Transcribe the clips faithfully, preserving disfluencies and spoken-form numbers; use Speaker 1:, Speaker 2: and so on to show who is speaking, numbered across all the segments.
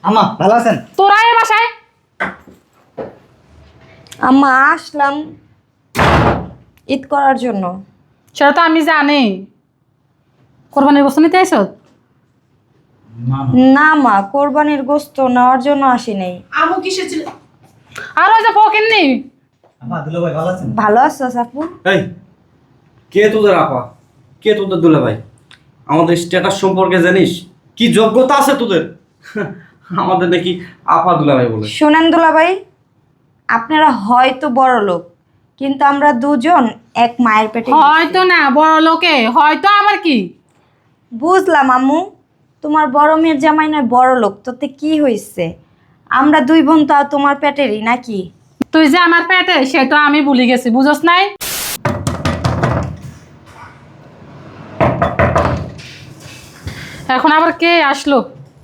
Speaker 1: আম্মা ভালো আছেন?
Speaker 2: তোরা এ বাসায়
Speaker 3: আম্মা আসলাম ঈদ করার জন্য।
Speaker 2: সেটা তো আমি জানি। কোরবানির গোস্ত নিতে আইসো?
Speaker 3: না মা, কোরবানির গোস্ত নেওয়ার জন্য আসি নাই।
Speaker 4: আমু কিসে ছিল?
Speaker 2: আর ওই যে পকেন নি।
Speaker 1: আম্মা দুলা ভাই ভালো আছেন?
Speaker 3: ভালো আছো সাপু?
Speaker 5: এই কে তোদের আপা, কে তোদের দুলা ভাই? আমাদের স্ট্যাটাস সম্পর্কে জানিস? কি যোগ্যতা আছে তোদের? আমাদের নাকি আপা দুলা ভাই বলে।
Speaker 3: শোনেন দুলাভাই, আপনারা হয়তো বড় লোক, কিন্তু আমরা দুজন এক মায়ের পেটে।
Speaker 2: হয়তো না বড় লোকে, হয়তো আবার কি?
Speaker 3: বুঝলাম আম্মু, তোমার বড় মেয়ের জামাই নয় বড় লোক, তোতে কি হয়েছে? আমরা দুই বোন তো আর তোমার পেটেরই নাকি?
Speaker 2: তুই যে আমার পেটে সেটা আমি ভুলে গেছি, বুঝস নাই? এখন আবার কে আসলো?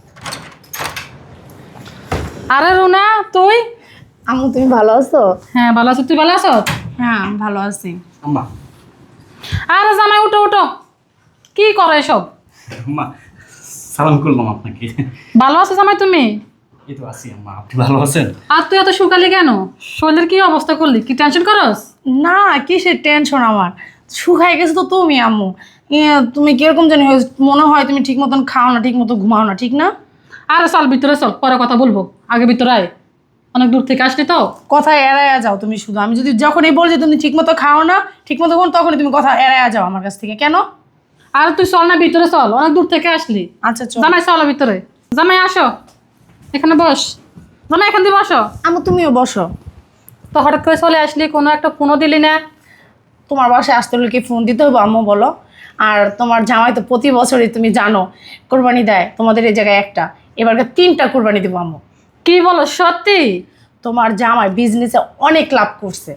Speaker 2: আরে রুনা তুই?
Speaker 4: আমু তুমি ভালো আছো?
Speaker 2: হ্যাঁ ভালো আছো, তুই ভালো আছো?
Speaker 4: হ্যাঁ ভালো আছি।
Speaker 5: আম্মা,
Speaker 2: আরে জামাই উঠো উঠো, কি করে এসব?
Speaker 5: আম্মা সালাম করলাম আপনাকে।
Speaker 2: ভালো আছো জামাই তুমি?
Speaker 5: এই তো আছি আম্মা, আপনি ভালো আছেন?
Speaker 2: আর তুই এত শুকালি কেন? শরীরের কি অবস্থা করলি? কি টেনশন করস?
Speaker 4: না কিসের টেনশন আমার, শুকাই গেছে তো তুমি আম্মু। ইয়ে, তুমি কিরকম জানি হয়েছে, মনে হয় তুমি ঠিক মতন খাও না, ঠিক মতো ঘুমাও না, ঠিক না?
Speaker 2: আরে চল ভিতরে চল, পরে কথা বলবো, আগে ভিতরে আয়। অনেক দূর থেকে আসলি তো।
Speaker 4: কথা এড়াইয়া যাও তুমি শুধু। আমি যদি যখনই বল যে তুমি ঠিক মতো খাও না, ঠিক মতো ঘুম, তখনই তুমি কথা এড়াইয়া যাও আমার কাছ থেকে। কেন?
Speaker 2: আর তুই চল না ভিতরে চল, অনেক দূর থেকে আসলি।
Speaker 4: আচ্ছা চল।
Speaker 2: জামাই চলো ভিতরে। জামাই আসো, এখানে বস। জামাই এখান দিয়ে বসো।
Speaker 4: আম্মু তুমিও বসো।
Speaker 2: তো হঠাৎ করে চলে আসলি, কোনো একটা ফোনও দিলি না।
Speaker 4: তোমার বাসায় আসতে হলে কি ফোন দিতে হবে আম্মু বলো? আর তোমার জামাই তো প্রতি বছরই তুমি জানো কোরবানি দেয় তোমাদের এই জায়গায় একটা, এবারকে তিনটা কোরবানি দেবো আম্মু।
Speaker 2: কি বলো সত্যি?
Speaker 4: তোমার জামাই বিজনেসে অনেক লাভ করছে।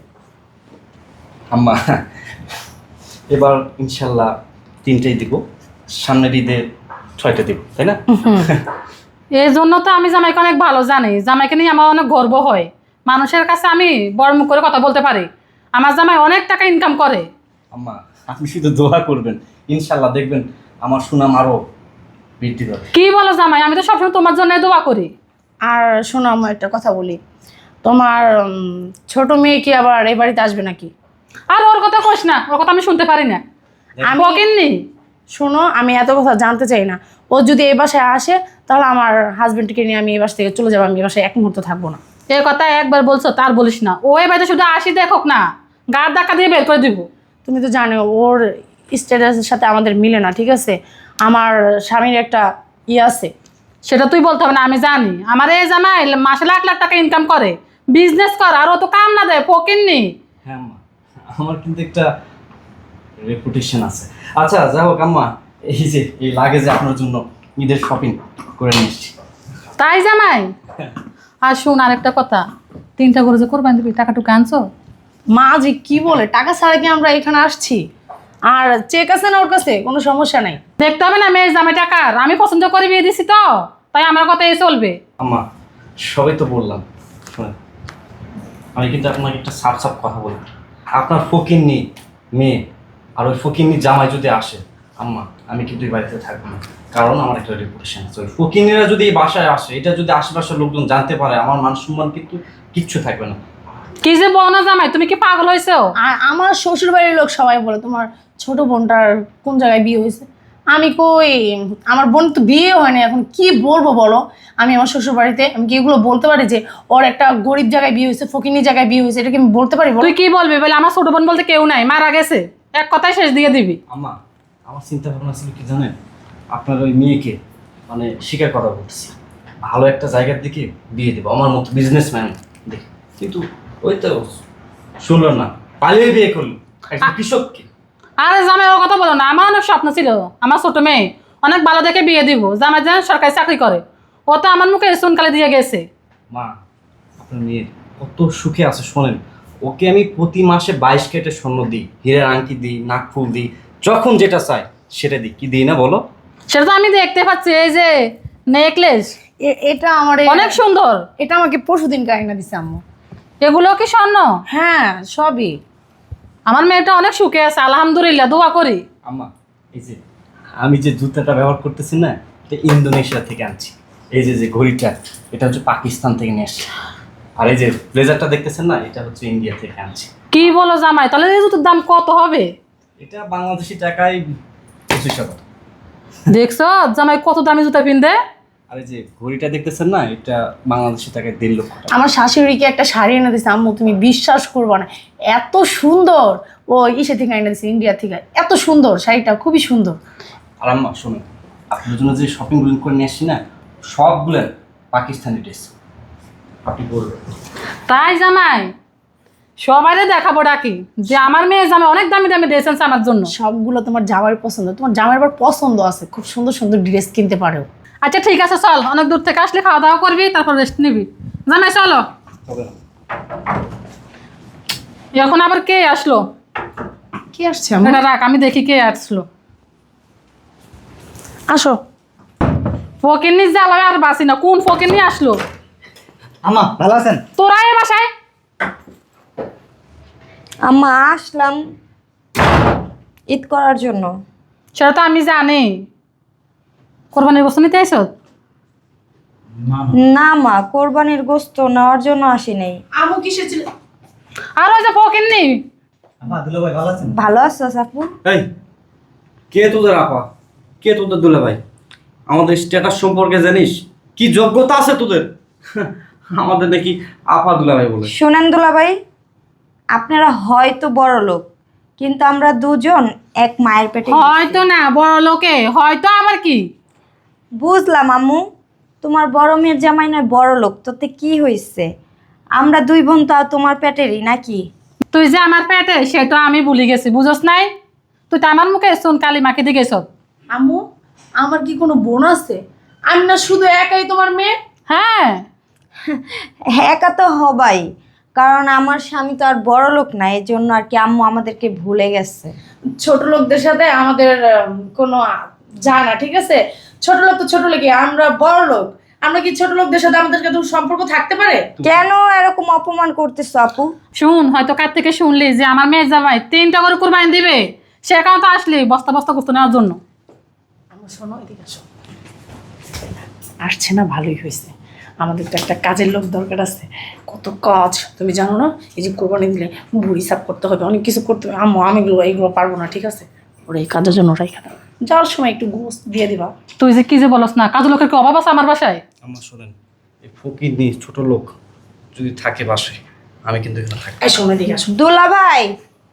Speaker 5: আম্মা এবার ইনশাল্লাহ তিনটেই দিব, সামনের ঈদে ছয়টা দিব, তাই না?
Speaker 2: এই জন্য তো আমি জামাইকে অনেক ভালো জানি। জামাইকে নিয়ে আমার অনেক গর্ব হয়। মানুষের কাছে আমি বড় মুখ করে কথা বলতে পারি। আমার জামাই অনেক টাকা ইনকাম করে।
Speaker 5: আম্মা আপনি শুধু দোয়া করবেন, ইনশাল্লাহ দেখবেন আমার সুনাম আরো বৃদ্ধি পাবে।
Speaker 2: কি বলো জামাই? আমি তো সবসময় তোমার জন্য দোয়া করি।
Speaker 4: আর শোনো আম্মু একটা কথা বলি, তোমার উম, ছোট মেয়ে কি আবার এই বাড়িতে আসবে নাকি?
Speaker 2: আর ওর কথা কোস না, ওর কথা আমি শুনতে পারি না।
Speaker 4: আমি
Speaker 2: বকেননি।
Speaker 4: শোনো, আমি এত কথা জানতে চাই না। ও যদি এই বাসায় আসে তাহলে আমার হাজবেন্ডকে নিয়ে আমি এই বাসা থেকে চলে যাবো। আমি এই বাসায় এক মুহূর্ত থাকবো না।
Speaker 2: এই কথা একবার বলছো, তার বলিস না। ও এ বাড়িতে শুধু আসি দেখোক না, গার ধাক্কা দিয়ে বের করে দিব।
Speaker 4: তুমি তো জানো ওর স্ট্যাটাসের সাথে আমাদের মিলে না, ঠিক আছে? আমার স্বামীর একটা ইয়ে আছে।
Speaker 2: সেটা তুই বলতে হবে না, আমি জানি। আমার এই জামাই মাসে লাখ লাখ টাকা ইনকাম করে, বিজনেস কর, আর ও তো কাম না দেয়, পকেননি।
Speaker 5: হ্যাঁ আম্মা, আমার কিন্তু একটা রেপুটেশন আছে। আচ্ছা যাই হোক আম্মা, এই যে এই লাগেজে আপনার জন্য ঈদের শপিং করে নিয়ে এসেছি।
Speaker 2: তাই জামাই? আর শুন আরেকটা কথা, তিনটা গরু যে কোরবানি দিবি, টাকাটুকু আনছো?
Speaker 4: মা যে কি বলে, টাকা ছাড়া কি আমরা এখানে আসছি? আর চেক আছে না ওর কাছে? কোনো সমস্যা নাই।
Speaker 2: দেখতে হবে না মেয়ের জামাই টাকার? আমি পছন্দ করে বিয়ে দিছি তো, তাই আমার কথা এই চলবে।
Speaker 5: আম্মা সবই তো বললাম, শোনেন আমি কিন্তু আপনাকে একটা সাফ সাফ কথা বলি। আপনার ফকিন্নি মেয়ে আর ওই ফকিন্নি জামাই যদি আসে, আম্মা আমি কিন্তু এই বাড়িতে থাকবো না, কারণ আমার একটা রেপুটেশন আছে। ওই ফকিন্নিরা যদি এই বাসায় আসে, এটা যদি আশেপাশের লোকজন জানতে পারে, আমার মান সম্মান কিন্তু কিচ্ছু থাকবে না।
Speaker 2: কি যে বলো না জামাই, তুমি কি পাগল হয়েছো?
Speaker 4: আর আমার শ্বশুর বাড়ির লোক সবাই বলে তোমার ছোট বোনটার কোন জায়গায় বিয়ে হয়েছে। আমি কই, আমার বোন তো বিয়ে হয়নি, এখন কি বলবো বলো? আমি আমার শ্বশুর বাড়িতে আমি কি এগুলো বলতে পারি যে ওর একটা গরিব জায়গায় বিয়ে হয়েছে, ফকিনি জায়গায় বিয়ে হয়েছে? এটা কি আমি বলতে পারি বলো?
Speaker 2: তুই কি বলবি বলে? আমার ছোট বোন বলতে কেউ নাই, মারা গেছে। এক কথায় শেষ দিয়ে দিবি।
Speaker 5: আম্মা আমার চিন্তা ভাবনা ছিল কি জানেন, আপনার ওই মেয়েকে মানে স্বীকার কথা বলতেছি, ভালো একটা জায়গার দিকে বিয়ে দেবো আমার মতো বিজনেসম্যান দেখে, কিন্তু ওই তো শুনলো না, পালিয়ে বিয়ে করলো একটা কৃষককে।
Speaker 2: আরে জামাই ওর কথা বলো না, আমার অনেক স্বপ্ন ছিল আমার ছোট মেয়ে অনেক ভালো দেখে বিয়ে দিব। জামাই যেন সরকারি চাকরি করে, ও তো আমার মুখে সুনকালে দিয়ে গেছে।
Speaker 5: মা আপনার মেয়ের কত সুখে আছে শোনেন, ওকে আমি প্রতি মাসে বাইশ কেটে স্বর্ণ দিই, হীরের আংটি দিই, নাকফুল দিই, যখন যেটা চাই সেটা দিই, কি দিই না বলো?
Speaker 2: সেটা তো আমি দেখতে পাচ্ছি, এই যে নেকলেস
Speaker 4: এ- এটা আমার
Speaker 2: অনেক সুন্দর।
Speaker 4: এটা আমাকে পরশুদিন কাইনা দিছে আম্মু।
Speaker 2: এগুলো কি স্বর্ণ?
Speaker 4: হ্যাঁ সবই।
Speaker 2: আমার মেয়েটা অনেক সুখে আছে, আলহামদুলিল্লাহ, দোয়া করি।
Speaker 5: আম্মা এই যে আমি যে জুতাটা ব্যবহার করতেছি না, এটা ইন্দোনেশিয়া থেকে আনছি। এই যে যে ঘড়িটা, এটা হচ্ছে পাকিস্তান থেকে নিয়ে এসেছি। আর এই যে ব্লেজারটা দেখতেছেন না, এটা হচ্ছে ইন্ডিয়া থেকে আনছি।
Speaker 2: কি বলো জামাই, তাহলে এই জুতোর দাম কত হবে?
Speaker 5: এটা বাংলাদেশি টাকায় পঁচিশশো টাকা।
Speaker 2: দেখছো জামাই কত দামি জুতা পিনদে?
Speaker 5: আর এই যে ঘড়িটা দেখতেছেন না, এটা বাংলাদেশি টাকায় দেড় লক্ষ টাকা।
Speaker 4: আমার শাশুড়িকে একটা শাড়ি এনে দিছে আম্মু, তুমি বিশ্বাস করবো না, এত সুন্দর। ও ইসে থেকে এনে দিছে, ইন্ডিয়া থেকে। এত সুন্দর শাড়িটা, খুবই সুন্দর।
Speaker 5: আর আম্মা শুনুন, আপনার জন্য যে শপিংগুলো করে নিয়ে আসছি না, সবগুলো পাকিস্তানি ড্রেস। আপনি বলবেন
Speaker 2: তাই জামাই সবাইরে দেখাবো ডাকি যে আমার মেয়ে জামাই অনেক দামি দামি ড্রেস আনছে আমার জন্য।
Speaker 4: সবগুলো তোমার জামাইয়ের পছন্দ, তোমার জামাইয়ের আবার পছন্দ আছে, খুব সুন্দর সুন্দর ড্রেস কিনতে পারো।
Speaker 2: আচ্ছা ঠিক আছে চল, অনেক দূর থেকে আসলে খাওয়া দাওয়া করবি, তারপর রেস্ট নিবি। জামাই চলো।
Speaker 5: হবে না।
Speaker 2: এখন আবার কে আসলো?
Speaker 4: কি আসছে আম্মু?
Speaker 2: এটা রাখ, আমি দেখি কে আসলো।
Speaker 4: আসো।
Speaker 2: ফকিরনি জ্বালায় আর বাসি না, কোন ফকিরনি আসলো?
Speaker 1: আম্মা ভালো আছেন?
Speaker 2: তোরা এ বাসায়?
Speaker 3: আম্মা আসলাম ঈদ করার জন্য।
Speaker 2: সেটা তো আমি জানি। কোরবানির বস্তু নিতে আইসো?
Speaker 1: না
Speaker 3: না মা, কোরবানির গোশত নেওয়ার জন্য আসি নাই।
Speaker 4: আম্মু কিসে ছিল?
Speaker 2: আর ওই যে ফকিরনি।
Speaker 1: আম্মা দুলো ভাই ভালো আছেন?
Speaker 3: ভালো আছো আপু?
Speaker 5: এই কে তোদের আপা, কে তোদের দুলা ভাই? আমাদের স্ট্যাটাস সম্পর্কে জানিস? কি যোগ্যতা আছে তোদের? আমাদের নাকি আপা দুলা ভাই বলে।
Speaker 3: শোনেন দুলাভাই, আপনারা হয়তো বড় লোক, কিন্তু আমরা দুজন এক মায়ের পেটে।
Speaker 2: হয়তো না বড় লোকে, হয়তো আবার কি?
Speaker 3: বুঝলাম আম্মু, তোমার বড় মেয়ের জামাই নয় বড় লোক, তোতে কি হয়েছে? আমরা দুই বোন তো আর তোমার পেটেরই নাকি?
Speaker 2: তুই যে আমার পেটে সেটা আমি ভুলে গেছি, বুঝস নাই? তুই তো আমার মুখে শুন কালি মাকে দিয়ে গেছ।
Speaker 4: আম্মু, আমার কি কোনো বোন আছে? আমি না শুধু একাই তোমার মেয়ে?
Speaker 2: হ্যাঁ
Speaker 3: একা তো হবাই, কারণ আমার স্বামী তো আর বড় লোক না, এই জন্য আর কি আম্মু আমাদেরকে ভুলে গেছে।
Speaker 4: ছোট লোকদের সাথে আমাদের উম, কোনো আ- যায় না, ঠিক আছে? ছোট লোক তো ছোট লোকই, আমরা বড় লোক। আমরা কি ছোট লোকদের সাথে আমাদের কোনো সম্পর্ক থাকতে পারে?
Speaker 3: কেন এরকম অপমান করতেছো আপু?
Speaker 2: শুন, হয়তো কার থেকে শুনলি যে আমার মেয়ে জামাই তিনটা করে কুরবানি দিবে, সে কারণে তো আসলি বস্তা বস্তা গোস্ত নেওয়ার জন্য।
Speaker 4: আমরা শোনো, এদিকে আসো। আসছে না, ভালোই হয়েছে। আমাদের তো একটা কাজের লোক দরকার আছে, কত কাজ তুমি জানো না? এই যে কোরবানি দিলে বুড়ি সাফ করতে হবে, অনেক কিছু করতে হবে। আম্মু আমি এগুলো এইগুলো পারবো না, ঠিক আছে? ওরা এই কাজের জন্য ওরাই খাতা যাওয়ার সময় একটু গোস্ত দিয়ে দিবা।
Speaker 2: তুই যে কি যে বলস না, কাজ লোকের কি অভাব আছে আমার বাসায়?
Speaker 5: আমার শোনেন, এই ফকির নিয়ে ছোট লোক যদি থাকে বাসে, আমি কিন্তু এখানে থাকি।
Speaker 4: এই শোনো, এদিকে আসো।
Speaker 3: দুলা ভাই,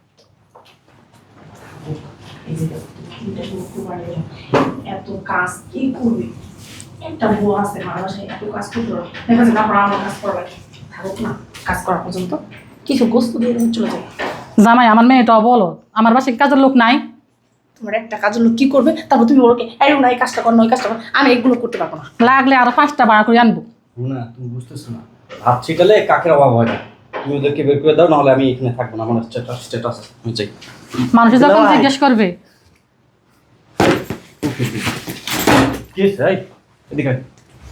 Speaker 4: এই যে দেখো, তিনটা শুরু কোরবানির জন্য এত কাজ কি করবে? একটা বউ আছে আমার বাসায়, এত কাজ করতে পারো দেখা যায়, তারপর আমার কাজ করা লাগে। থাকুক না, কাজ করা পর্যন্ত কিছু গোস্ত দিয়ে তুমি চলে যাবে।
Speaker 2: জামাই আমার মেয়েটাও বলো, আমার বাসায় কি কাজের লোক নাই?
Speaker 4: তোমার একটা কাজের লোক কি করবে? তারপর তুমি ওকে এই না এই কাজটা কর না ওই কাজটা কর, আমি এগুলো করতে পারবো না।
Speaker 2: লাগলে আরো পাঁচটা ভাড়া করে আনবো।
Speaker 5: না তুমি বুঝতেছো না, হাত ছিটালে কাকের অভাব হয় না। তুমি ওদেরকে বের করে দাও, নাহলে আমি এখানে থাকবো না। আমার স্ট্যাটাস স্ট্যাটাস আমি চাই।
Speaker 2: মানুষ যখন
Speaker 5: জামাই।
Speaker 2: জিজ্ঞেস করবে
Speaker 5: কি হয়েছে? এই, এদিকে আয়।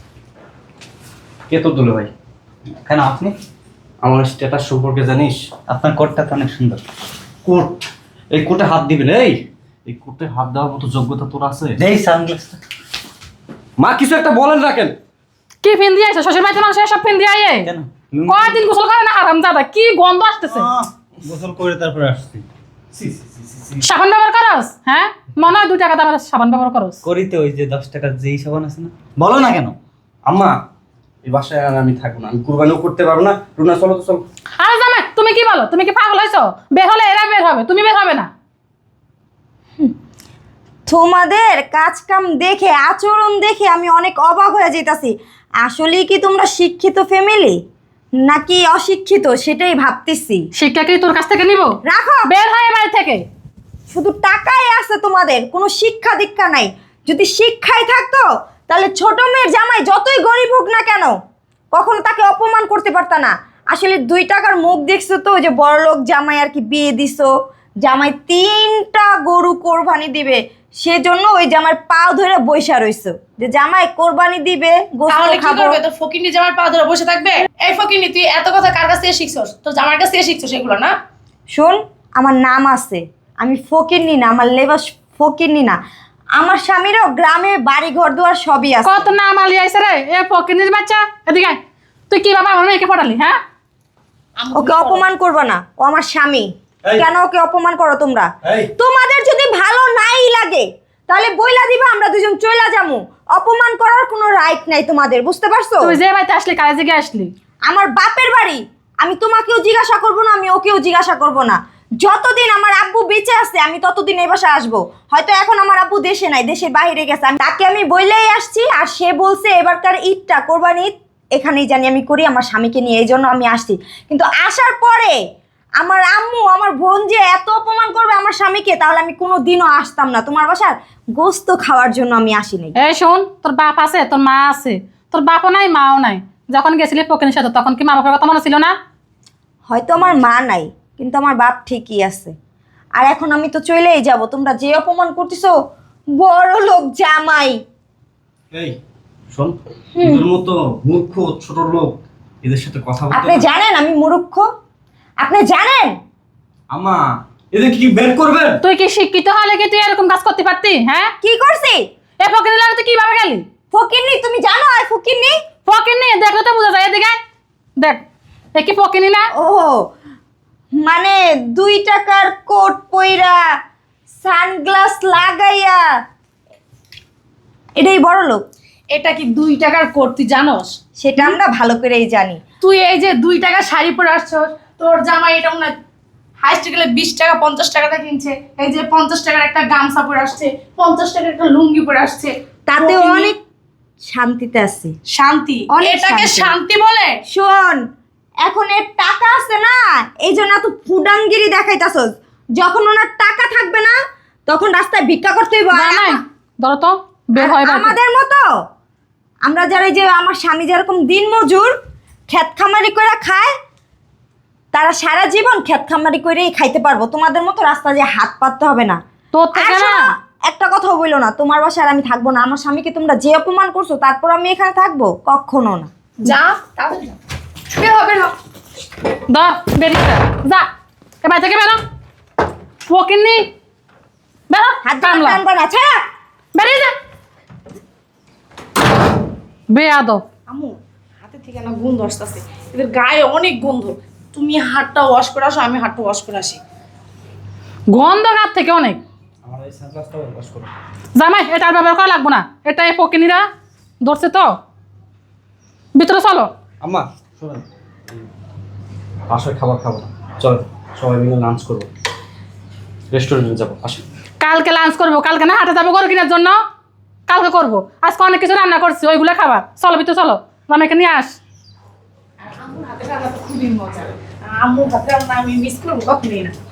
Speaker 5: কে তোর দুলো ভাই?
Speaker 1: কেন আপনি?
Speaker 5: আমার স্ট্যাটাস সম্পর্কে জানিস?
Speaker 1: আপনার কোটটা তো অনেক সুন্দর।
Speaker 5: কোট, এই কোটে হাত দিবেন? এই এই কোটে হাত দেওয়ার মতো যোগ্যতা তোর আছে?
Speaker 1: এই সানগ্লাসটা
Speaker 5: মা কিছু একটা বলেন রাখেন।
Speaker 2: কি ফিন দিয়ে আইছে শ্বশুর বাড়িতে মানুষ সব ফিন দিয়ে আইয়ে?
Speaker 1: কেন?
Speaker 2: কয়দিন গোসল করে না হারাম দাদা, কি গন্ধ আসতেছে।
Speaker 1: আহ, গোসল করে তারপরে আসছি।
Speaker 2: সাবান ব্যবহার করস? হ্যাঁ মনে হয় দুই টাকা দামের সাবান ব্যবহার করস।
Speaker 1: করিতে ওই যে দশ টাকার যেই সাবান আছে না, বলো না কেন?
Speaker 5: আম্মা এই বাসায় আর আমি থাকবো না, আমি কুরবানিও করতে পারবো না। রুনা চলো তো চলো।
Speaker 2: আরে জামাই তুমি কি বলো? তুমি কি পাগল হয়েছো? বের হলে এরা বের হবে, তুমি বের হবে না।
Speaker 3: তোমাদের কাজ কাম দেখে, আচরণ দেখে আমি অনেক অবাক হয়ে যেতেছি। আসলেই কি তোমরা শিক্ষিত ফ্যামিলি নাকি অশিক্ষিত সেটাই ভাবতেছি।
Speaker 2: শিক্ষা কি তোর কাছ থেকে নিব?
Speaker 3: রাখো,
Speaker 2: বের হয় বাড়ি থেকে।
Speaker 3: শুধু টাকাই আছে তোমাদের, কোনো শিক্ষা দীক্ষা নাই। যদি শিক্ষাই থাকতো তাহলে ছোট মেয়ের জামাই যতই গরিব হোক না কেন কখনো তাকে অপমান করতে পারতা না। আসলে দুই টাকার মুখ দেখছো তো, ওই যে বড়লোক জামাই আর কি বিয়ে দিছো, জামাই তিনটা গরু কোরবানি দিবে, সেজন্য ওই জামাই পাও ধরে বইসা রইছো যে জামাই কোরবানি দিবে, গোশত
Speaker 4: তাহলে কি
Speaker 3: খাবো।
Speaker 4: করবে? তোর ফকিনি জামার পা ধরে বসে থাকবে? এই ফকিনি, তুই এত কথা কার কাছ থেকে শিখছস? তোর জামার কাছ থেকে শিখছস এগুলো না?
Speaker 3: শোন, আমার নাম আছে, আমি ফকিরনি না, আমার লেবাস ফকিরনি না। আমার স্বামীরও গ্রামে বাড়ি ঘর দুয়ার সবই আছে।
Speaker 2: কত নাম আলি আইসে রে এ ফকিনির বাচ্চা, এদিকে আয়। তুই কি বাবা আমার মেয়েকে পড়ালি? হ্যাঁ,
Speaker 3: ওকে অপমান করবে না, ও আমার স্বামী।
Speaker 1: এই।
Speaker 3: কেন ওকে অপমান করো তোমরা?
Speaker 1: এই।
Speaker 3: তোমাদের যদি ভালো নাই লাগে তাহলে বইলা দিবা, আমরা দুজন চইলা যামু। অপমান করার কোনো রাইট নাই তোমাদের, বুঝতে পারছো?
Speaker 2: তুই যে বাড়িতে আসলি কাজে গিয়ে আসলি?
Speaker 3: আমার বাপের বাড়ি, আমি তোমাকেও জিজ্ঞাসা করব না, আমি ওকেও জিজ্ঞাসা করব না। যতদিন আমার আব্বু বেঁচে আছে আমি ততদিন এই বাসায় আসবো। হয়তো এখন আমার আব্বু দেশে নাই, দেশের বাইরে গেছে, আমি তাকে আমি বইলেই আসছি। আর সে বলছে এবারকার ঈদটা, কোরবানি ঈদ এখানেই জানি আমি করি আমার স্বামীকে নিয়ে, এই জন্য আমি আসছি। কিন্তু আসার পরে আমার আম্মু আমার বোন যে এত অপমান করবে আমার স্বামীকে, তাহলে আমি কোনো দিনও আসতাম না তোমার বাসার গোস্ত খাওয়ার জন্য। আমি আসিনি।
Speaker 2: এই শোন, তোর বাপ আছে, তোর মা আছে, তোর বাপও নাই মাও নাই। যখন গেছিলি ফকিনের সাথে তখন কি মা বাপের কথা মনে ছিল না?
Speaker 3: হয়তো আমার মা নাই, কিন্তু আমার বাপ ঠিকই আছে। আর এখন আমি তো চলেই যাব। তোমরা যে অপমান করতেছো, বড় লোক জামাই।
Speaker 5: এই শোন, তোর মতো মূর্খ ছোট লোক এদের সাথে কথা বলতে
Speaker 3: আপনি
Speaker 5: না।
Speaker 3: জানেন আমি মূর্খ? আপনি জানেন?
Speaker 5: আম্মা, এদের কি বের করবেন?
Speaker 2: তুই কি শিক্ষিত হলে কি তুই এরকম কাজ করতে পারতি? হ্যাঁ,
Speaker 3: কি করছি?
Speaker 2: এ ফকিনের লাগে তুই কিভাবে গেলি?
Speaker 3: ফকিরনি, তুমি জানো আর ফকিরনি?
Speaker 2: ফকিনি দেখলে তো বোঝা যায়। এদিকে আয়। দেখ, এ কি ফকিনি না?
Speaker 3: ও মানে দুই টাকার কোট পইরা সানগ্লাস লাগাইয়া এটাই বড় লোক?
Speaker 4: এটা কি দুই টাকার কোট তুই জানোস?
Speaker 3: সেটা আমরা ভালো করেই জানি।
Speaker 4: তুই এই যে দুই টাকা শাড়ি পরে আসছস, তোর জামাই এটা মনে হয় হাইস্ট গেলে বিশ টাকা পঞ্চাশ টাকাটা কিনছে। এই যে পঞ্চাশ টাকার একটা গামছা পরে আসছে, পঞ্চাশ টাকার একটা লুঙ্গি পরে আসছে।
Speaker 3: তাতে
Speaker 4: ফকিন্নি।
Speaker 3: অনেক শান্তিতে আছি।
Speaker 4: শান্তি?
Speaker 3: অনেক
Speaker 4: এটাকে
Speaker 3: শান্তি।
Speaker 4: শান্তি বলে?
Speaker 3: শোন, এখন এর টাকা আছে না, এই জন্য এত ফুডাঙ্গিরি দেখাইতাছস। যখন ওনার টাকা থাকবে না তখন রাস্তায় ভিক্ষা করতে হইব।
Speaker 2: না নাই, ধরো তো বের হয় বাড়ি।
Speaker 3: আমাদের মতো আমরা যারা, এই যে আমার স্বামী যেরকম দিন মজুর ক্ষেত খামারি করে খায়, তারা সারা জীবন ক্ষেত খামারি করেই খাইতে পারবো। তোমাদের মতো রাস্তা দিয়ে হাত পাততে হবে না।
Speaker 2: তোর
Speaker 3: আর
Speaker 2: থেকে না,
Speaker 3: শোনো, একটা কথা বললো না, তোমার বাসায় আর আমি থাকবো না। আমার স্বামীকে তোমরা যে অপমান করছো তারপর আমি এখানে থাকবো? কখনো না।
Speaker 4: যা তাড়াতাড়ি যা। বের হ, বের হ।
Speaker 2: ধর বেরিয়ে যা, যা এ বাড়ি থেকে বেরো। ফকিনি বেরো,
Speaker 3: হাত
Speaker 2: কামলা
Speaker 3: টানবা না, ছাড়া।
Speaker 2: বেরিয়ে যা। বেয়াদব।
Speaker 4: আম্মু, হাতে থেকে না গন্ধ আসতেছে, এদের গায়ে অনেক গন্ধ। তুমি হাতটা ওয়াশ করে আসো, আমি হাতটা ওয়াশ করে আসি।
Speaker 2: গন্ধ গাছ থেকে অনেক।
Speaker 5: আমার এই সানগ্লাসটা ওয়াশ করো।
Speaker 2: জামাই এটা আর ব্যবহার করা লাগবো না, এটা এই ফকিনিরা ধরছে তো। ভিতরে চলো।
Speaker 5: আম্মা শোনেন, বাসায় খাবার খাবো না, চল সবাই মিলে লাঞ্চ করবো, রেস্টুরেন্টে যাবো, আসি।
Speaker 2: কালকে লাঞ্চ করবো, কালকে না হাটে যাবো গরু কেনার জন্য, কালকে করবো। আজকে অনেক কিছু রান্না করছি, ওইগুলো খাবার। চলো ভিতরে চলো, জামাইকে নিয়ে আস।
Speaker 4: আম্মুর হাতে রান্না তো খুবই মজা। আম্মুর হাতে রান্না আমি মিস করবো কখনোই না।